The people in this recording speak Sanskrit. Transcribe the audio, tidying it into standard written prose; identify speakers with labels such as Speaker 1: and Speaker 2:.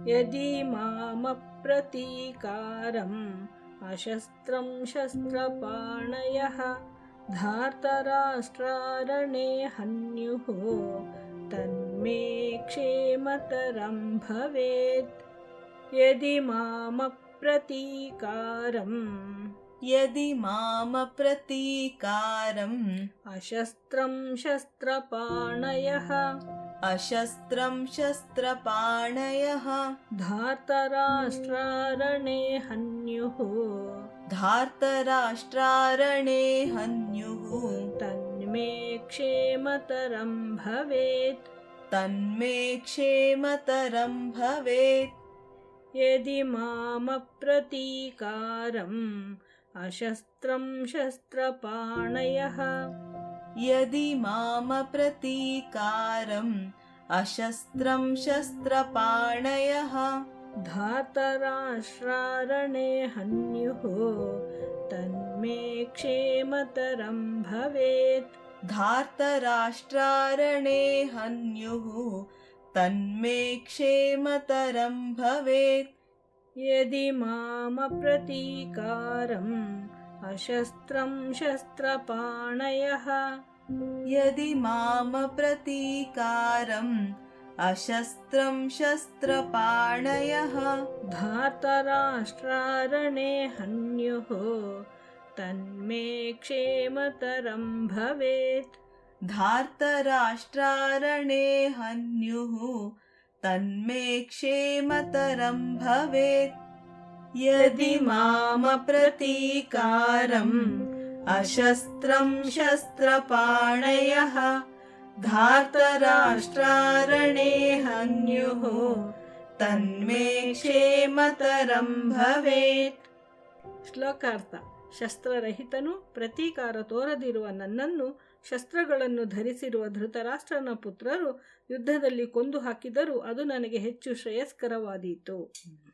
Speaker 1: यदि मामप्रतीकारम् अशस्त्रं शस्त्रपाणयः धार्तराष्ट्रारणे हन्युः तन्मे क्षेमतरं भवेत्। यदि
Speaker 2: मामप्रतीकारम्
Speaker 1: अशस्त्रं शस्त्रपाणयः धार्तराष्ट्रारणे हन्युः तन्मे क्षेमतरं भवेत्। यदि मामप्रतीकारम् अशस्त्रं शस्त्रपाणयः धार्तराष्ट्रारणे हन्युः तन्मे क्षेमतरं भवेत्। यदि मामप्रतीकारम् अशस्त्रं शस्त्रपाणयः धार्तराष्ट्रारणे हन्युः तन्मे क्षेमतरं भवेत्।
Speaker 2: यदि मामप्रतीकारम् अशस्त्रं शस्त्रपाणयः धार्तराष्ट्रारणे हन्युः तन्मे क्षेमतरं भवेत्।
Speaker 1: ಶ್ಲೋಕಾರ್ಥ. ಶಸ್ತ್ರರಹಿತನು ಪ್ರತೀಕಾರ ತೋರದಿರುವ ನನ್ನನ್ನು ಶಸ್ತ್ರಗಳನ್ನು ಧರಿಸಿರುವ ಧೃತರಾಷ್ಟ್ರನ ಪುತ್ರರು ಯುದ್ಧದಲ್ಲಿ ಕೊಂದು ಹಾಕಿದರೂ ಅದು ನನಗೆ ಹೆಚ್ಚು ಶ್ರೇಯಸ್ಕರವಾದೀತು.